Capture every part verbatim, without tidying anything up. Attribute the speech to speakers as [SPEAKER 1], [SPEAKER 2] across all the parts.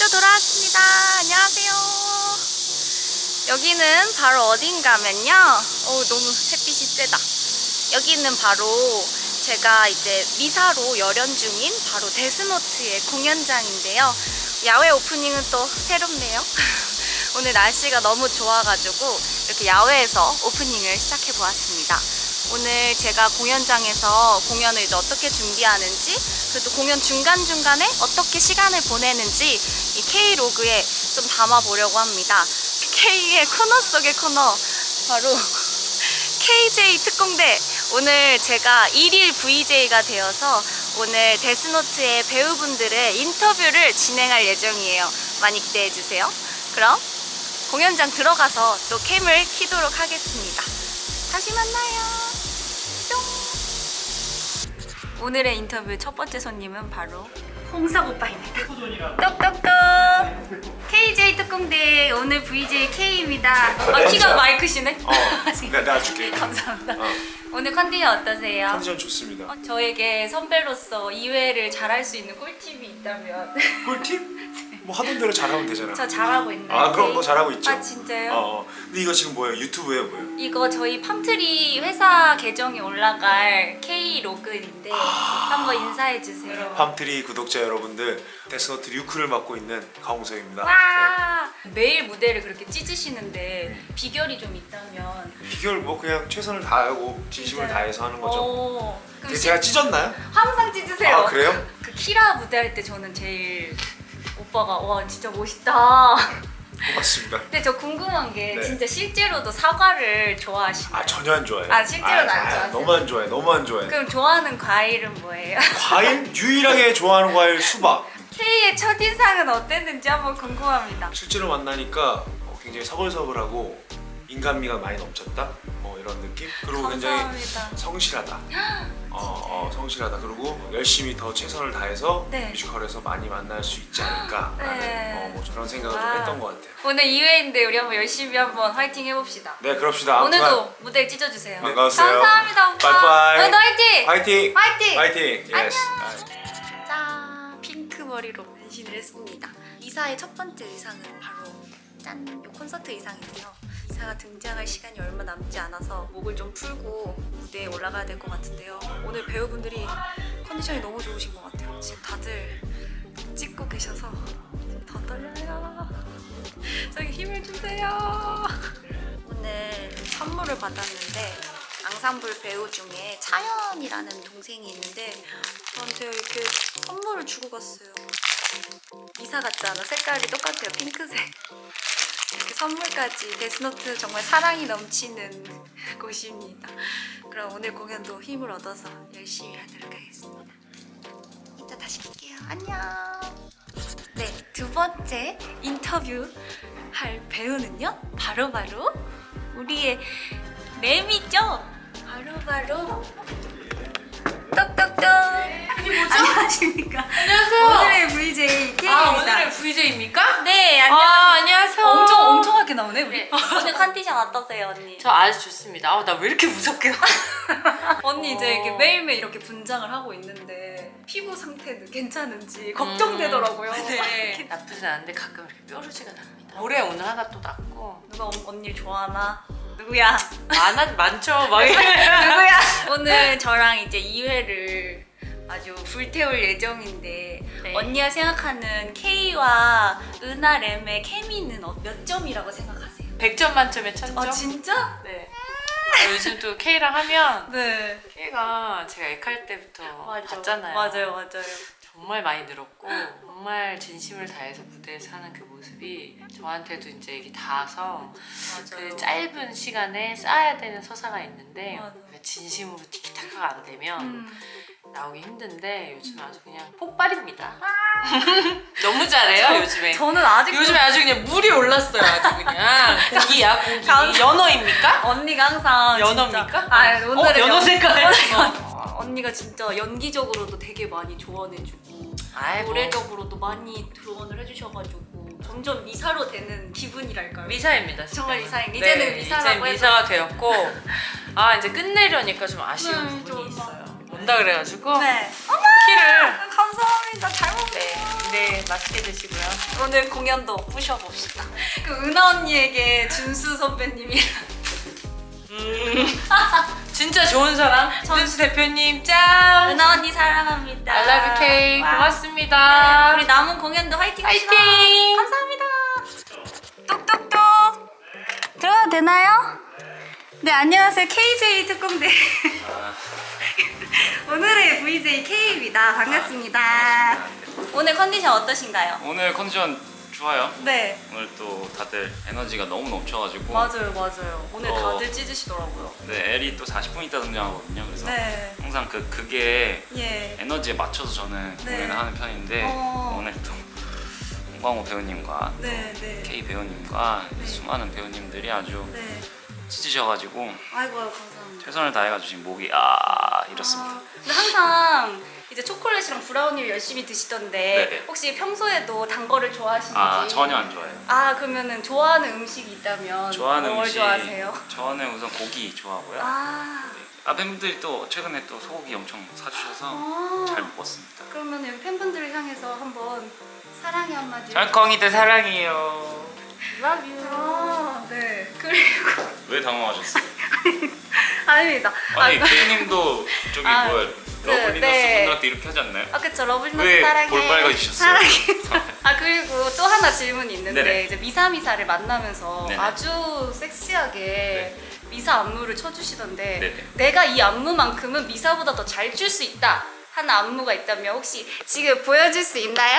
[SPEAKER 1] 또 돌아왔습니다. 안녕하세요. 여기는 바로 어딘가면요. 어 너무 햇빛이 세다. 여기는 바로 제가 이제 미사로 열연 중인 바로 데스노트의 공연장인데요. 야외 오프닝은 또 새롭네요. 오늘 날씨가 너무 좋아가지고 이렇게 야외에서 오프닝을 시작해 보았습니다. 오늘 제가 공연장에서 공연을 이제 어떻게 준비하는지, 그리고 또 공연 중간중간에 어떻게 시간을 보내는지 이 K로그에 좀 담아보려고 합니다. K의 코너 속의 코너, 바로 케이제이 특공대. 오늘 제가 일일 브이제이가 되어서 오늘 데스노트의 배우분들의 인터뷰를 진행할 예정이에요. 많이 기대해주세요. 그럼 공연장 들어가서 또 캠을 켜도록 하겠습니다. 다시 만나요. 뿅. 오늘의 인터뷰 첫 번째 손님은 바로 홍석 오빠입니다. 똑똑똑. 케이제이 특공대 오늘 브이제이 K입니다. 아, 키가 마이크시네?
[SPEAKER 2] 어, 내가, 내가 줄게.
[SPEAKER 1] 감사합니다.
[SPEAKER 2] 어.
[SPEAKER 1] 오늘 컨디션 어떠세요?
[SPEAKER 2] 컨디션 좋습니다.
[SPEAKER 1] 어, 저에게 선배로서 이 회를 잘할 수 있는 꿀팁이 있다면
[SPEAKER 2] 꿀팁? 뭐 하던 대로 잘하면 되잖아.
[SPEAKER 1] 저 잘하고 있나요?
[SPEAKER 2] 아 그럼 뭐 잘하고 있죠.
[SPEAKER 1] 아 진짜요?
[SPEAKER 2] 어, 어. 근데 이거 지금 뭐예요? 유튜브예요, 뭐예요?
[SPEAKER 1] 이거 저희 팜트리 회사 계정에 올라갈 K로그인데 한번 인사해주세요.
[SPEAKER 2] 팜트리 구독자 여러분들, 데스노트 류크를 맡고 있는 강홍석입니다.
[SPEAKER 1] 와 매일 무대를 그렇게 찢으시는데 비결이 좀 있다면?
[SPEAKER 2] 네. 비결 뭐 그냥 최선을 다하고 진심을
[SPEAKER 1] 진짜요?
[SPEAKER 2] 다해서 하는 거죠.
[SPEAKER 1] 오, 그럼
[SPEAKER 2] 근데 제가 찢었나요?
[SPEAKER 1] 항상 찢으세요.
[SPEAKER 2] 아 그래요?
[SPEAKER 1] 그 키라 무대 할 때 저는 제일 오빠가 와 진짜 멋있다.
[SPEAKER 2] 고맙습니다.
[SPEAKER 1] 근데 저 궁금한 게
[SPEAKER 2] 네.
[SPEAKER 1] 진짜 실제로도 사과를 좋아하시나요?
[SPEAKER 2] 아 전혀 안 좋아해요.
[SPEAKER 1] 아, 실제로는 안
[SPEAKER 2] 아,
[SPEAKER 1] 좋아하세요?
[SPEAKER 2] 너무 안 좋아해. 너무 안 좋아해.
[SPEAKER 1] 그럼 좋아하는 과일은 뭐예요?
[SPEAKER 2] 과일? 유일하게 좋아하는 과일 수박.
[SPEAKER 1] K의 첫인상은 어땠는지 한번 궁금합니다.
[SPEAKER 2] 실제로 만나니까 어, 굉장히 서글서글하고 인간미가 많이 넘쳤다. 뭐 이런 느낌. 그리고 굉장히
[SPEAKER 1] 감사합니다.
[SPEAKER 2] 성실하다. 어, 어, 성실하다. 그리고 열심히 더 최선을 다해서
[SPEAKER 1] 네.
[SPEAKER 2] 뮤지컬에서 많이 만날 수 있지 않을까라는
[SPEAKER 1] 네.
[SPEAKER 2] 어, 뭐 저런 생각을
[SPEAKER 1] 와.
[SPEAKER 2] 좀 했던 것 같아요.
[SPEAKER 1] 오늘 이 회인데 우리 한번 열심히 한번 화이팅 해봅시다.
[SPEAKER 2] 네, 그럽시다. 아무튼
[SPEAKER 1] 오늘도 무대를 찢어주세요.
[SPEAKER 2] 반가웠어요.
[SPEAKER 1] 감사합니다 오빠.
[SPEAKER 2] 빠이빠이.
[SPEAKER 1] 오늘도 화이팅!
[SPEAKER 2] 화이팅!
[SPEAKER 1] 화이팅!
[SPEAKER 2] 화이팅!
[SPEAKER 1] 안녕.
[SPEAKER 2] 예스.
[SPEAKER 1] 짠! 핑크 머리로 변신을 했습니다. 이사의 첫 번째 의상은 바로 짠! 요 콘서트 의상인데요. 이사가 등장할 시간이 얼마 남지 않아서 목을 좀 풀고 무대에 올라가야 될 것 같은데요. 오늘 배우분들이 컨디션이 너무 좋으신 것 같아요. 지금 다들 찍고 계셔서 더 떨려요. 저기 힘을 주세요. 오늘 선물을 받았는데 앙상블 배우 중에 차연이라는 동생이 있는데 저한테 이렇게 선물을 주고 갔어요. 이사 같지 않아? 색깔이 똑같아요. 핑크색. 이렇게 선물까지. 데스노트 정말 사랑이 넘치는 곳입니다. 그럼 오늘 공연도 힘을 얻어서 열심히 하도록 하겠습니다. 이따 다시 뵐게요. 안녕. 네, 두 번째 인터뷰 할 배우는요. 바로바로 우리의 램이죠. 바로바로 똑똑똑.
[SPEAKER 3] 이게 뭐죠?
[SPEAKER 1] 안녕하십니까.
[SPEAKER 3] 안녕하세요.
[SPEAKER 1] 오늘의 브이제이 K입니다.
[SPEAKER 3] 아, 오늘의 브이제이입니까?
[SPEAKER 1] 네, 안녕하세요.
[SPEAKER 3] 아, 안녕하세요.
[SPEAKER 1] 엄청 엄청하게 나오네 우리.
[SPEAKER 3] 네.
[SPEAKER 1] 오늘 컨디션 어떠세요 언니?
[SPEAKER 3] 저 아주 좋습니다. 아, 나 왜 이렇게 무섭게 나?
[SPEAKER 1] 언니 이제
[SPEAKER 3] 어.
[SPEAKER 1] 이렇게 매일매일 이렇게 분장을 하고 있는데 피부 상태는 괜찮은지 걱정되더라고요.
[SPEAKER 3] 음, 네. 나쁘진 않은데 가끔 이렇게 뾰루지가 납니다. 올해 오늘 하나 또 났고.
[SPEAKER 1] 누가 언- 언니를 좋아하나? 누구야?
[SPEAKER 3] 많아, 많죠? 막 이래.
[SPEAKER 1] 누구야? 오늘 저랑 이제 이 회를 아주 불태울 예정인데
[SPEAKER 3] 네.
[SPEAKER 1] 언니가 생각하는 K와 은하 램의 케미는 어- 몇 점이라고 생각하세요?
[SPEAKER 3] 백 점 만점에 천 점?
[SPEAKER 1] 아 진짜?
[SPEAKER 3] 네. 아, 요즘 또 K랑 하면
[SPEAKER 1] 네.
[SPEAKER 3] K가 제가 액할 때부터 봤잖아요.
[SPEAKER 1] 맞아요, 맞아요.
[SPEAKER 3] 정말 많이 늘었고 정말 진심을 다해서 무대에서 하는 그 모습이 저한테도 이제 이게 닿아서
[SPEAKER 1] 맞아요.
[SPEAKER 3] 그 짧은 시간에 쌓아야 되는 서사가 있는데
[SPEAKER 1] 맞아.
[SPEAKER 3] 그 진심으로 티키타카가 안 되면
[SPEAKER 1] 음.
[SPEAKER 3] 나오기 힘든데 요즘 아주 그냥 폭발입니다. 너무 잘해요 요즘에.
[SPEAKER 1] 저는 아직
[SPEAKER 3] 요즘에 아주 그냥 물이 올랐어요 아주 그냥. 고기야 고기.
[SPEAKER 1] 감-
[SPEAKER 3] 연어입니까?
[SPEAKER 1] 언니가 항상
[SPEAKER 3] 연어입니까?
[SPEAKER 1] 진짜, 아 오늘은
[SPEAKER 3] 어, 연어 색깔.
[SPEAKER 1] 어, 언니가 진짜 연기적으로도 되게 많이 조언해주고
[SPEAKER 3] 아이, 뭐.
[SPEAKER 1] 노래적으로도 많이 조언을 해주셔가지고 점점 미사로 되는 기분이랄까요?
[SPEAKER 3] 미사입니다. 진짜.
[SPEAKER 1] 정말 미사인 이제는
[SPEAKER 3] 네,
[SPEAKER 1] 미사라고
[SPEAKER 3] 이제 미사가 되었고 아 이제 끝내려니까 좀 아쉬운
[SPEAKER 1] 네,
[SPEAKER 3] 부분이
[SPEAKER 1] 좀
[SPEAKER 3] 있어요. 온다 그래가지고
[SPEAKER 1] 네.
[SPEAKER 3] 키를
[SPEAKER 1] 감사합니다. 잘 먹네.
[SPEAKER 3] 네. 네, 맛있게 드시고요.
[SPEAKER 1] 오늘 공연도 부셔봅시다. 그 은하 언니에게 준수 선배님이랑
[SPEAKER 3] 진짜 좋은 사람. 준수 대표님 짠.
[SPEAKER 1] 은하 언니 사랑합니다.
[SPEAKER 3] I love you, K.
[SPEAKER 1] 와.
[SPEAKER 3] 고맙습니다.
[SPEAKER 1] 우리 남은 공연도 화이팅 합시다.
[SPEAKER 3] 화이팅!
[SPEAKER 1] 감사합니다. 똑똑똑. 들어가도 되나요? 네, 안녕하세요. 케이제이 특공대. 오늘의 브이제이 K입니다. 반갑습니다. 오늘 컨디션 어떠신가요?
[SPEAKER 4] 오늘 컨디션 좋아요.
[SPEAKER 1] 네.
[SPEAKER 4] 오늘 또 다들 에너지가 너무 넘쳐가지고.
[SPEAKER 1] 맞아요, 맞아요. 오늘
[SPEAKER 4] 어.
[SPEAKER 1] 다들 찢으시더라고요.
[SPEAKER 4] 네, 엘이 또 사십 분 있다 등장하거든요. 그래서
[SPEAKER 1] 네.
[SPEAKER 4] 항상 그 그게
[SPEAKER 1] 예.
[SPEAKER 4] 에너지에 맞춰서 저는
[SPEAKER 1] 네.
[SPEAKER 4] 공연을 하는 편인데
[SPEAKER 1] 어.
[SPEAKER 4] 오늘 또 홍광호 배우님과
[SPEAKER 1] 네, 네.
[SPEAKER 4] K 배우님과
[SPEAKER 1] 네.
[SPEAKER 4] 수많은 배우님들이 아주
[SPEAKER 1] 네.
[SPEAKER 4] 찢으셔가지고
[SPEAKER 1] 아이고, 아이고, 감사합니다.
[SPEAKER 4] 최선을 다해가지고 지금 목이 아 이렇습니다.
[SPEAKER 1] 아, 근데 항상 이제 초콜릿이랑 브라우니를 열심히 드시던데
[SPEAKER 4] 네네.
[SPEAKER 1] 혹시 평소에도 단 거를 좋아하시는지?
[SPEAKER 4] 아 전혀 안 좋아해요.
[SPEAKER 1] 아, 그러면은 좋아하는 음식이 있다면
[SPEAKER 4] 좋아하는
[SPEAKER 1] 뭘
[SPEAKER 4] 음식
[SPEAKER 1] 좋아하세요?
[SPEAKER 4] 저는 우선 고기 좋아하고요.
[SPEAKER 1] 아,
[SPEAKER 4] 아 팬분들이 또 최근에 또 소고기 엄청 사주셔서
[SPEAKER 1] 아.
[SPEAKER 4] 잘 먹었습니다.
[SPEAKER 1] 그러면 여기 팬분들을 향해서 한번 사랑의 한마디.
[SPEAKER 4] 쩔컹이들 사랑해요.
[SPEAKER 1] Love you. 아, 네. 그리고
[SPEAKER 4] 왜 당황하셨어요?
[SPEAKER 1] 아닙니다.
[SPEAKER 4] 아니
[SPEAKER 1] 아,
[SPEAKER 4] K님도 저기
[SPEAKER 1] 아,
[SPEAKER 4] 뭐야
[SPEAKER 1] 네,
[SPEAKER 4] 러블리너스
[SPEAKER 1] 네.
[SPEAKER 4] 분들한테 이렇게 하지 않나요?
[SPEAKER 1] 아, 그쵸. 러블리너스
[SPEAKER 4] 왜
[SPEAKER 1] 사랑해.
[SPEAKER 4] 볼빨개지셨어요?
[SPEAKER 1] 사랑해. 아, 그리고 또 하나 질문이 있는데
[SPEAKER 4] 네네.
[SPEAKER 1] 이제 미사미사를 만나면서
[SPEAKER 4] 네네.
[SPEAKER 1] 아주 섹시하게 미사 안무를 쳐주시던데
[SPEAKER 4] 네네.
[SPEAKER 1] 내가 이 안무만큼은 미사보다 더 잘 출 수 있다 하는 안무가 있다면 혹시 지금 보여줄 수 있나요?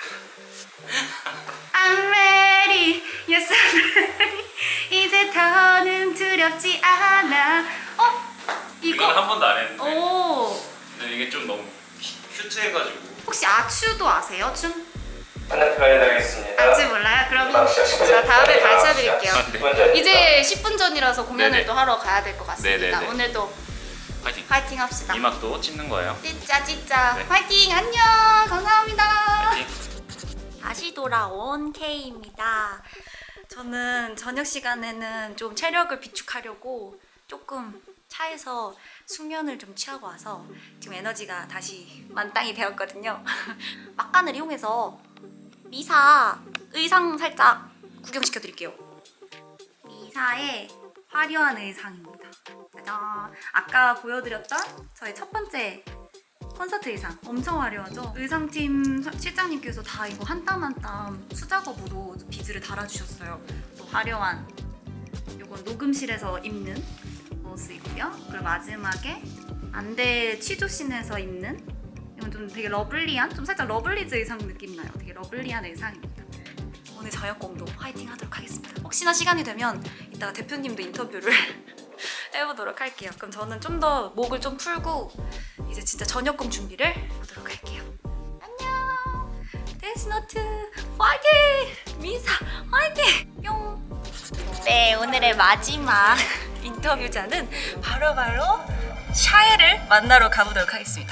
[SPEAKER 1] I'm ready, yes I'm ready. 이제 더는 두렵지 않아. 어?
[SPEAKER 4] 이건 한
[SPEAKER 1] 이거?
[SPEAKER 4] 번도 안 했는데
[SPEAKER 1] 오.
[SPEAKER 4] 근데 이게 좀 너무 큐트해가지고
[SPEAKER 1] 혹시 아추도 아세요? 춤?
[SPEAKER 5] 부탁드리겠습니다.
[SPEAKER 1] 아직 몰라요? 그러면 제가 다음에 가르쳐드릴게요.
[SPEAKER 4] 네.
[SPEAKER 1] 이제 십 분 전이라서 공연을
[SPEAKER 4] 네네.
[SPEAKER 1] 또 하러 가야 될 것 같습니다.
[SPEAKER 4] 네네네.
[SPEAKER 1] 오늘도
[SPEAKER 4] 파이팅!
[SPEAKER 1] 파이팅 합시다.
[SPEAKER 4] 이 막도 찢는 거예요.
[SPEAKER 1] 찢자 찢자.
[SPEAKER 4] 네.
[SPEAKER 1] 파이팅 안녕. 감사합니다.
[SPEAKER 4] 파이팅!
[SPEAKER 1] 다시 돌아온 K입니다. 저는 저녁 시간에는 좀 체력을 비축하려고 조금 차에서 숙면을 좀 취하고 와서 지금 에너지가 다시 만땅이 되었거든요. 막간을 이용해서 미사 의상 살짝 구경시켜 드릴게요. 미사의 화려한 의상입니다. 짜잔! 아까 보여드렸던 저의 첫 번째 콘서트 의상 엄청 화려하죠? 의상팀 사- 실장님께서 다 이거 한 땀 한 땀 수작업으로 비즈를 달아주셨어요. 또 화려한 이건 녹음실에서 입는 모습이고요. 그리고 마지막에 안대 취조씬에서 입는 이건 좀 되게 러블리한, 좀 살짝 러블리즈 의상 느낌 나요. 되게 러블리한 의상입니다. 오늘 저녁 공도 화이팅 하도록 하겠습니다. 혹시나 시간이 되면 이따가 대표님도 인터뷰를 해보도록 할게요. 그럼 저는 좀 더 목을 좀 풀고 이제 진짜 저녁공 준비를 하도록 할게요. 안녕. 데스노트 화이팅! 미사 화이팅! 뿅. 네, 오늘의 마지막 인터뷰자는 바로바로 샤에를 만나러 가보도록 하겠습니다.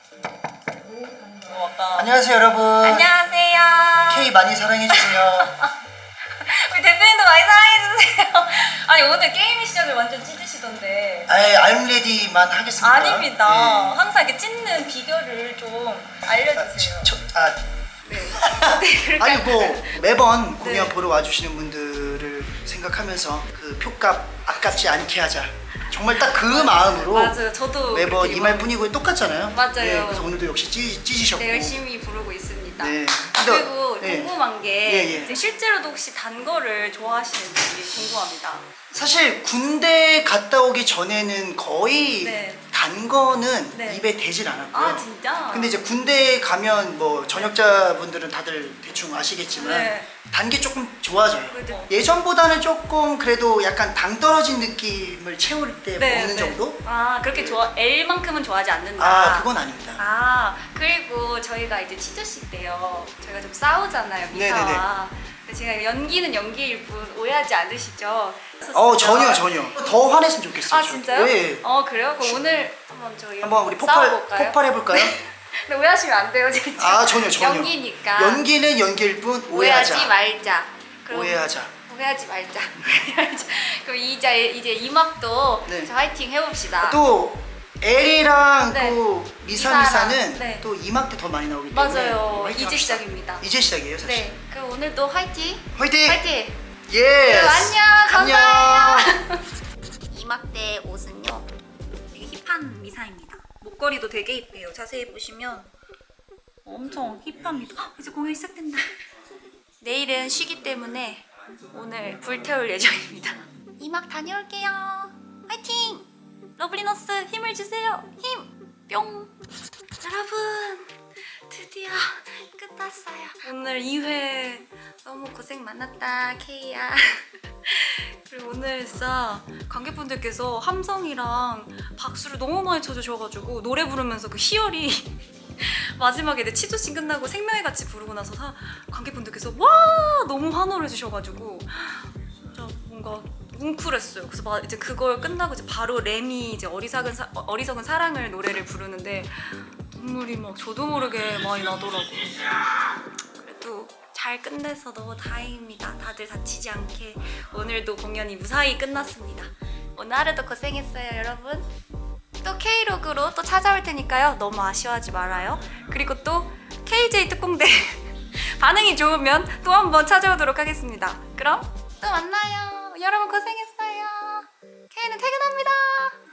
[SPEAKER 6] 안녕하세요 여러분.
[SPEAKER 1] 안녕하세요.
[SPEAKER 6] K 많이 사랑해주세요.
[SPEAKER 1] 우리 대표님도 많이 사랑해주세요. 아니 오늘 게임 시작을 완전 찢으시던데.
[SPEAKER 6] 아예 I'm ready만 하겠습니다.
[SPEAKER 1] 아닙니다.
[SPEAKER 6] 네.
[SPEAKER 1] 항상 이렇게 찢는 비결을 좀 알려주세요.
[SPEAKER 6] 저, 아,
[SPEAKER 1] 네. 네, 그러니까
[SPEAKER 6] 아니 뭐 매번 공연
[SPEAKER 1] 네.
[SPEAKER 6] 보러 와주시는 분들을 생각하면서 그 표값 아깝지 않게 하자. 정말 딱 그 마음으로
[SPEAKER 1] 맞아요. 저도
[SPEAKER 6] 매번
[SPEAKER 1] 그렇게
[SPEAKER 6] 이 말뿐이고 똑같잖아요.
[SPEAKER 1] 맞아요.
[SPEAKER 6] 네, 그래서 오늘도 역시 찢, 찢으셨고.
[SPEAKER 1] 네, 열심히 부르고 있습니다.
[SPEAKER 6] 네.
[SPEAKER 1] 아,
[SPEAKER 6] 근데-
[SPEAKER 1] 그리고
[SPEAKER 6] 네.
[SPEAKER 1] 궁금한 게
[SPEAKER 6] 예, 예.
[SPEAKER 1] 이제 실제로도 혹시 단 거를 좋아하시는지 궁금합니다.
[SPEAKER 6] 사실 군대 갔다 오기 전에는 거의
[SPEAKER 1] 네.
[SPEAKER 6] 단 거는
[SPEAKER 1] 네.
[SPEAKER 6] 입에 대질 않았고요.
[SPEAKER 1] 아 진짜?
[SPEAKER 6] 근데 이제 군대 가면 뭐 전역자분들은 다들 대충 아시겠지만
[SPEAKER 1] 네.
[SPEAKER 6] 단 게 조금 좋아져요.
[SPEAKER 1] 그래도-
[SPEAKER 6] 예전보다는 조금 그래도 약간 당 떨어진 느낌을 채울 때
[SPEAKER 1] 네,
[SPEAKER 6] 먹는
[SPEAKER 1] 네.
[SPEAKER 6] 정도?
[SPEAKER 1] 아 그렇게 좋아 L만큼은 좋아하지 않는다.
[SPEAKER 6] 아 그건 아닙니다.
[SPEAKER 1] 아 그리고 저희가 이제 치즈씨 때요 저희가 좀 싸우잖아요 미사와. 근데 제가 연기는 연기일 뿐 오해하지 않으시죠?
[SPEAKER 6] 어 전혀 전혀 더 화냈으면 좋겠어요.
[SPEAKER 1] 아
[SPEAKER 6] 저.
[SPEAKER 1] 진짜요?
[SPEAKER 6] 네.
[SPEAKER 1] 어 그래요? 그럼 오늘 한번 저희
[SPEAKER 6] 한번 우리 폭발
[SPEAKER 1] 싸워볼까요?
[SPEAKER 6] 폭발해 볼까요?
[SPEAKER 1] 근데 오해하시면 안 돼요 진짜.
[SPEAKER 6] 아 전혀 전혀.
[SPEAKER 1] 연기니까.
[SPEAKER 6] 연기는 연기일 뿐 오해하자.
[SPEAKER 1] 오해하지 말자. 그럼
[SPEAKER 6] 오해하자.
[SPEAKER 1] 오해하지 말자. 오해하지. 그럼 이제 이제 이 막도
[SPEAKER 6] 네.
[SPEAKER 1] 저 화이팅 해봅시다.
[SPEAKER 6] 또 엘이랑
[SPEAKER 1] 네.
[SPEAKER 6] 또 미사
[SPEAKER 1] 미사랑,
[SPEAKER 6] 미사는
[SPEAKER 1] 네.
[SPEAKER 6] 또 이 막 때 더 많이 나오기 때문에
[SPEAKER 1] 맞아요.
[SPEAKER 6] 화이팅
[SPEAKER 1] 이제
[SPEAKER 6] 합시다.
[SPEAKER 1] 시작입니다.
[SPEAKER 6] 이제 시작이에요 사실.
[SPEAKER 1] 네. 그럼 오늘도 화이팅!
[SPEAKER 6] 화이팅!
[SPEAKER 1] 화이팅!
[SPEAKER 6] 예.
[SPEAKER 1] 네, 안녕! 감사해요!
[SPEAKER 6] 안녕.
[SPEAKER 1] 이막대 옷은요 되게 힙한 미사입니다. 목걸이도 되게 힙해요. 자세히 보시면 엄청 힙합니다. 헉, 이제 공연 시작된다. 내일은 쉬기 때문에 오늘 불태울 예정입니다. 이막 다녀올게요. 화이팅! 러블리너스 힘을 주세요. 힘! 뿅! 여러분 드디어 끝났어요. 오늘 이 회 너무 고생 많았다 케이야. 그리고 오늘 진짜 관객분들께서 함성이랑 박수를 너무 많이 쳐주셔가지고 노래 부르면서 그 희열이 마지막에 내 치조씬 끝나고 생명의 같이 부르고 나서 사, 관객분들께서 와 너무 환호를 해주셔가지고 진짜 뭔가 뭉클했어요. 그래서 막 이제 그걸 끝나고 이제 바로 램이 이제 어리석은 사, 어리석은 사랑을 노래를 부르는데 눈물이 막 저도 모르게 많이 나더라고요. 그래도 잘 끝내서 너무 다행입니다. 다들 다치지 않게 오늘도 공연이 무사히 끝났습니다. 오늘 하루도 고생했어요, 여러분. 또 K로그로 또 찾아올 테니까요. 너무 아쉬워하지 말아요. 그리고 또 케이제이 특공대 반응이 좋으면 또 한번 찾아오도록 하겠습니다. 그럼 또 만나요. 여러분 고생했어요. K는 퇴근합니다.